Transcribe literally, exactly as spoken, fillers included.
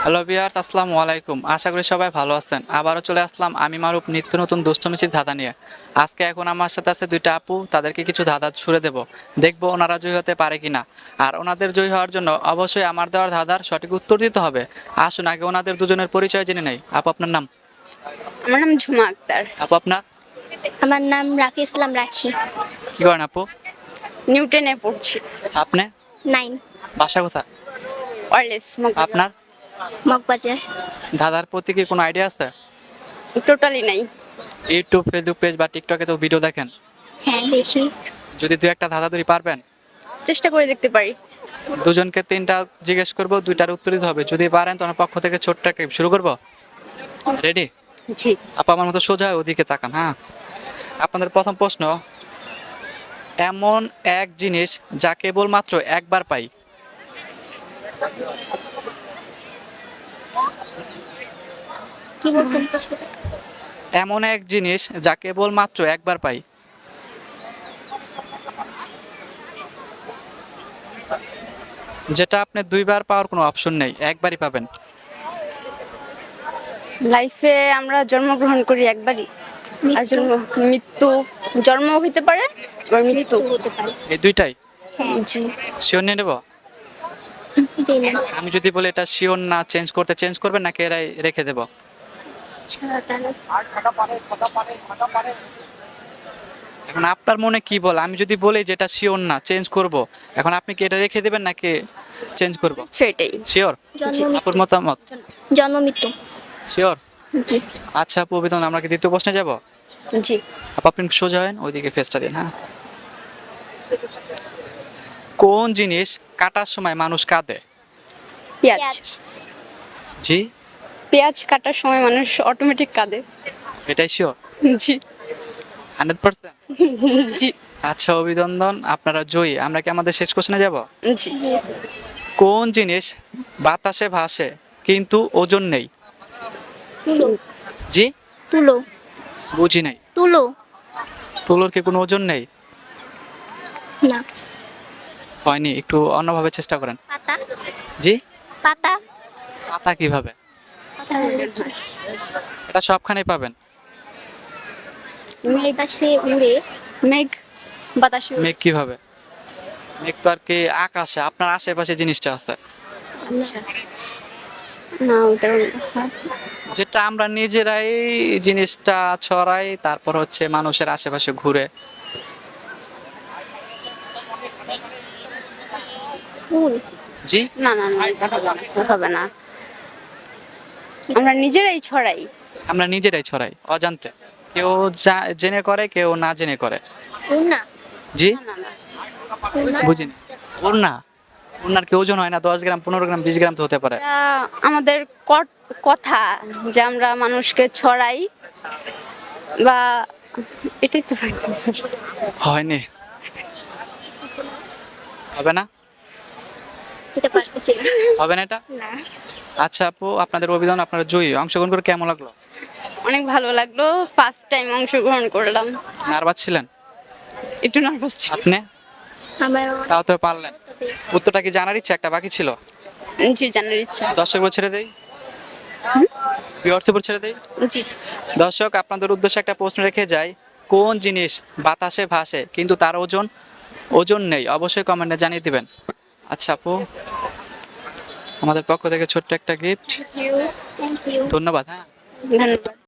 Hello viewers, আসসালামু আলাইকুম। আশা করি সবাই ভালো আছেন। আবারও চলে আসলাম আমি মারুফ নিত্য নতুন দুষ্টমিষ্টির ধাঁধা নিয়ে। আজকে এখন আমার সাথে আছে দুইটা আপু, তাদেরকে কিছু ধাঁধা ছুড়ে দেব। দেখবো ওনারা জয়ী হতে পারে কিনা। আর ওনাদের জয়ী হওয়ার জন্য অবশ্যই আমার দেওয়ার ধাঁধার সঠিক উত্তর দিতে হবে। আসুন আগে ওনাদের দুজনের পরিচয় জেনে নেই। আপু আপনার নাম? আমার নাম ঝুমা আক্তার। আপু আপনার? আমার নাম রাফি ইসলাম রাখি। কি করেন আপু? নিউটনে পড়ছি। আপনি? নাইন। বাসা কোথা? ওয়ারলেস আপনার? মগবাজার। ধাঁধার প্রতি কি কোনো আইডিয়া আছে? টোটালি নাই। ইউটিউব, ফেসবুক পেজ বা টিকটকে তো ভিডিও দেখেন। হ্যাঁ দেখি। যদি দু একটা ধাঁধা ধরি পারবেন? চেষ্টা করে দেখতে পারি। দুজনকে তিনটা জিজ্ঞেস করব, দুইটার উত্তর দিতে হবে। যদি পারেন তোমার পক্ষ থেকে ছোট্ট একটা শুরু করব। রেডি? জি। আপা আমার মতো সোজা ওদিকে তাকান। হ্যাঁ, আপনাদের প্রথম প্রশ্ন, এমন এক জিনিস যা কেবলমাত্র একবার পাই। কি বলছেন প্রশ্নটা? এমন এক জিনিস যা কেবলমাত্র একবার পাই। যেটা আপনি দুইবার পাওয়ার কোনো অপশন নেই, একবারই পাবেন। লাইফে আমরা জন্মগ্রহণ করি একবারই, আর জন্ম মৃত্যু, জন্ম হইতে পারে আবার মৃত্যু। হতে পারে। এই দুইটাই জি। শিওর নিয়ে নেব। দিই না। আমি যদি বলি এটা শিওর না, চেঞ্জ করতে চেঞ্জ করবেন নাকি এরাই রেখে দেব? ছাড়া তাহলে এখন আপনার মনে কি বল? আমি যদি বলি যে এটা শিওর না, চেঞ্জ করব, এখন আপনি কি এটা রেখে দেবেন নাকি চেঞ্জ করব? সেটাই। শিওর? জন্ম আপুর মতামত? জন্ম মৃত্যু। শিওর? জি। আচ্ছা আপু, অভিনন্দন। আমরা কি দ্বিতীয় প্রশ্নে যাব? জি। আপু আপনি সোজা হন, ওইদিকে ফেসটা দিন। হ্যাঁ, কোন জিনিস কাটার সময় মানুষ কাঁদে? পেঁয়াজ। পেঁয়াজ। জি? পেঁয়াজ কাটার সময় মানুষ অটোমেটিক কাঁদে। এটাই শিওর? জি। Hundred percent? জি। আচ্ছা অভিনন্দন, আপনারা জয়ী। আমরা কি আমাদের শেষ কোশ্চেনে যাব? জি। কোন জিনিস বাতাসে ভাসে কিন্তু ওজন নেই? তুলো। জি? তুলো। বুঝি নাই। তুলো। তুলোর কি কোনো ওজন নেই? না। হয়নি, একটু অন্যভাবে চেষ্টা করেন। পাতা। জি? পাতা। পাতা কিভাবে? পাতা এটা সবখানেই পাবেন। বাতাসে উড়ে। মেঘ বাতাসে উড়ে। মেঘ কিভাবে? মেঘ তো আর কি আকাশে, আপনার আশেপাশে জিনিসটা আছে। আচ্ছা। না ওটা যেটা আমরা নিজেরাই জিনিসটা ছড়াই, তারপর হচ্ছে মানুষের আশেপাশে ঘুরে। ফুল। জি? না না না এটা হবে না, এটা হবে না। আমরা নিজেরাই ছড়াই। আমরা নিজেরাই ছড়াই অজান্তে। কেউ জা- জেনে করে, কেউ না জেনে করে। ফুল না। জি? না না ফুল না। বুঝিনি। ওড়না? ওড়নার কি ওজন হয় না? দশ গ্রাম, পনেরো গ্রাম, বিশ গ্রাম তো হতে পারে। এটা আমাদের কট- কথা যে আমরা মানুষকে ছড়াই, বা এটাই তো হয়নি। হবে না? এটা পারতেছি না। হবে না এটা? না। আচ্ছা আপু, আপনাদের অভিধান, আপনারা জয়ী। অংশগ্রহণ করে কেমন লাগলো? অনেক ভালো লাগলো, ফার্স্ট টাইম অংশগ্রহণ করলাম। নার্ভাস ছিলেন? একটু নার্ভাস ছিল। আপনি? আমার তাও তো পারলেন। উত্তরটা কি জানার ইচ্ছা একটা বাকি ছিল? জি, জানার ইচ্ছা। দর্শক উপর ছেড়ে দেই, ভিউয়ার্স উপর ছেড়ে দেই। জি। দর্শক আপনাদের উদ্দেশ্যে একটা প্রশ্ন রেখে যাই, কোন জিনিস বাতাসে ভাসে কিন্তু তার ওজন ওজন নেই? অবশ্যই কমেন্টে জানিয়ে দিবেন। আচ্ছা আপু, আমাদের পক্ষ থেকে ছোট্ট একটা গিফট। Thank you. ধন্যবাদ। হ্যাঁ। ধন্যবাদ।